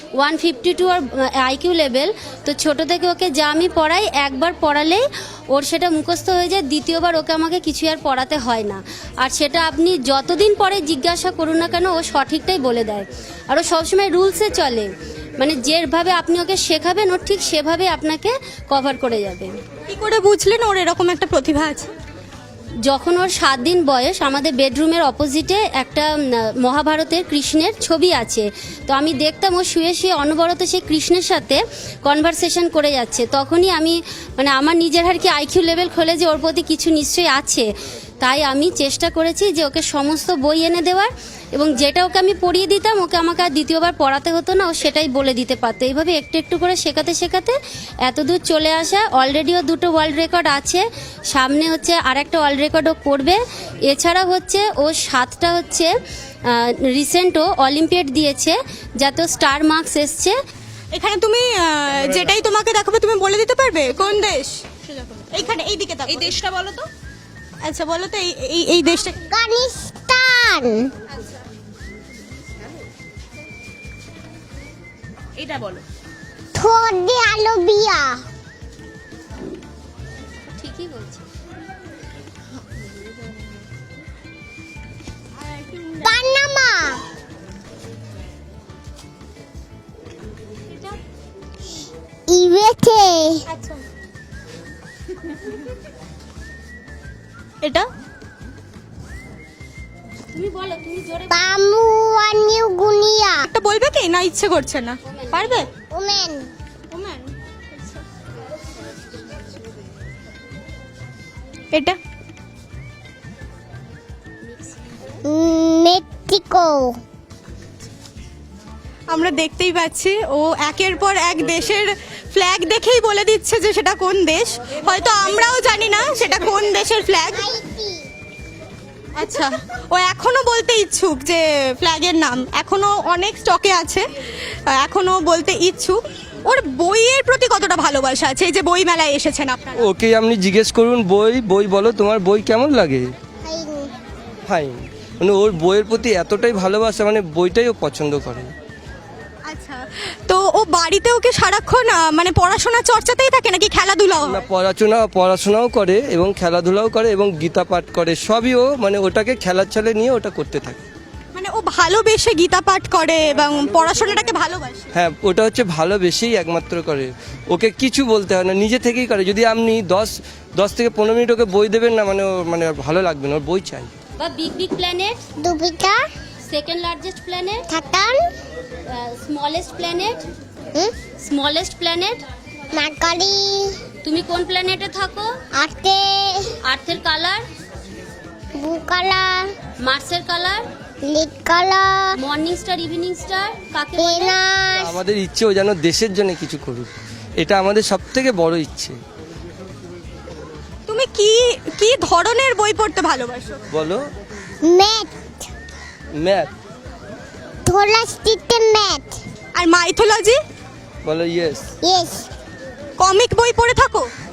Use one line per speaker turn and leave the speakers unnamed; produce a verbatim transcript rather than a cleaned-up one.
One fifty two ওর IQ level. তো ছোটো থেকে ওকে যা আমি পড়াই একবার পড়ালেই ওর সেটা মুখস্থ হয়ে যায়, দ্বিতীয়বার ওকে আমাকে কিছু আর পড়াতে হয় না। আর সেটা আপনি যতদিন পরে জিজ্ঞাসা করুন না কেন ও সঠিকটাই বলে দেয়। আর ও সবসময় রুলসে চলে, মানে যেভাবে আপনি ওকে শেখাবেন ও ঠিক সেভাবে আপনাকে কভার করে যাবে।
কি করে বুঝলেন ওর এরকম একটা প্রতিভা আছে?
যখন ওর সাত দিন বয়স, আমাদের বেডরুমের অপোজিটে একটা মহাভারতের কৃষ্ণের ছবি আছে। তো আমি দেখতাম ও শুয়ে শুয়ে অনবরত সেই কৃষ্ণের সাথে কনভারসেশন করে যাচ্ছে। তখনই আমি মানে আমার নিজের আর কি আইকিউ লেভেল খোলে যে ওর প্রতি কিছু নিশ্চয়ই আছে। তাই আমি চেষ্টা করেছি যে ওকে সমস্ত বই এনে দেওয়ার, এবং যেটা ওকে আমি পড়িয়ে দিতাম ওকে আমাকে আর দ্বিতীয়বার পড়াতে হতো না, ও সেটাই বলে দিতে পারতো। এইভাবে একটু একটু করে শেখাতে শেখাতে এত দূর চলে আসা। অলরেডিও দুটো ওয়ার্ল্ড রেকর্ড আছে, সামনে হচ্ছে আর একটা ওয়ার্ল্ড রেকর্ডও করবে। এছাড়া হচ্ছে ও সাতটা হচ্ছে রিসেন্টও অলিম্পিয়াড দিয়েছে, যাতে স্টার মার্কস এসছে।
এখানে তুমি আহ, যেটাই তোমাকে দেখাবে তুমি বলে দিতে পারবে কোন দেশ? এইখানে এই দিকে এই দেশটা বলো তো। আচ্ছা বলো তো এই এই এই দেশটা।
আফগানিস্তান।
এটা বলো।
Saudi Arabia.
ঠিকই বলছি।
পানামা। ইউএসএ।
এটা
তুমি বলো, তুমি জোরে
পাপুয়া নিউ গুনিয়া।
একটা বলবে কি না ইচ্ছে করছে না? পারবে?
ওমেন।
ওম্যান। এটা
মেক্সিকো।
আমরা দেখতেই পাচ্ছি ও একের পর এক দেশের ফ্ল্যাগ দেখেই বলে দিচ্ছে যে সেটা কোন দেশ। হয়তো আমরাও জানি না সেটা কোন দেশের ফ্ল্যাগ।
হাইতি।
আচ্ছা, ও এখনো বলতে ইচ্ছুক যে ফ্ল্যাগের নাম এখনো অনেক স্টকে আছে, এখনো বলতে ইচ্ছুক। ওর বইয়ের প্রতি কতটা ভালোবাসা আছে, এই যে বই মেলায় এসেছেন আপনারা?
ওকে আপনি জিজ্ঞেস করুন বই বই বলো তোমার বই কেমন লাগে।
হাইনি।
ফাইন, মানে ওর বইয়ের প্রতি এতটাই ভালোবাসা, মানে বইটাই ও পছন্দ করে।
আচ্ছা, তো ও বাড়িতে ওকে সারাক্ষণ আহ, মানে পড়াশোনা চর্চাতেই থাকে নাকি খেলাধুলাও
না,
হয়?
পড়াশোনা পড়াশোনাও করে এবং খেলাধুলাও করে এবং গীতা পাঠ করে, সবই ও মানে ওটাকে খেলার ছলে নিয়ে ওটা করতে থাকে।
মানে ও ভালোবেসে গীতা পাঠ করে এবং পড়াশোনাটাকে ভালোবাসে।
হ্যাঁ, ওটা হচ্ছে ভালোবেসেই একমাত্র করে, ওকে কিছু বলতে হয় না, নিজে থেকেই করে। যদি আপনি দশ দশ থেকে পনেরো মিনিট ওকে বই দেবেন না, মানে ওর মানে ওর ভালো লাগবে না, ওর বই চাই।
বা বিগ বিগ প্ল্যানেট,
দুবিটা।
সেকেন্ড লার্জেস্ট প্ল্যানেট,
থাকান।
স্মলেস্ট প্ল্যানেট,
হুম।
Smallest planet.
মার্কারি।
তুমি কোন প্ল্যানেটে থাকো?
আর্তে।
আর্থের কালার,
বুকালা।
মার্সের কালার,
লিড কালা।
মর্নিং স্টার, ইভিনিং স্টার কাকে বলে?
পেনাস।
আমাদের ইচ্ছে ও যেন দেশের জন্য কিছু করুক, এটা আমাদের সব থেকে বড় ইচ্ছে।
তুমি কি কি ধরনের বই পড়তে ভালোবাসো?
বলো।
ম্যাথ।
ম্যাথ।
থোলা স্টিতে ম্যাথ।
আর মাইথোলজি?
বলো ইয়েস।
ইয়েস।
কমিক বই পড়ে থাকো?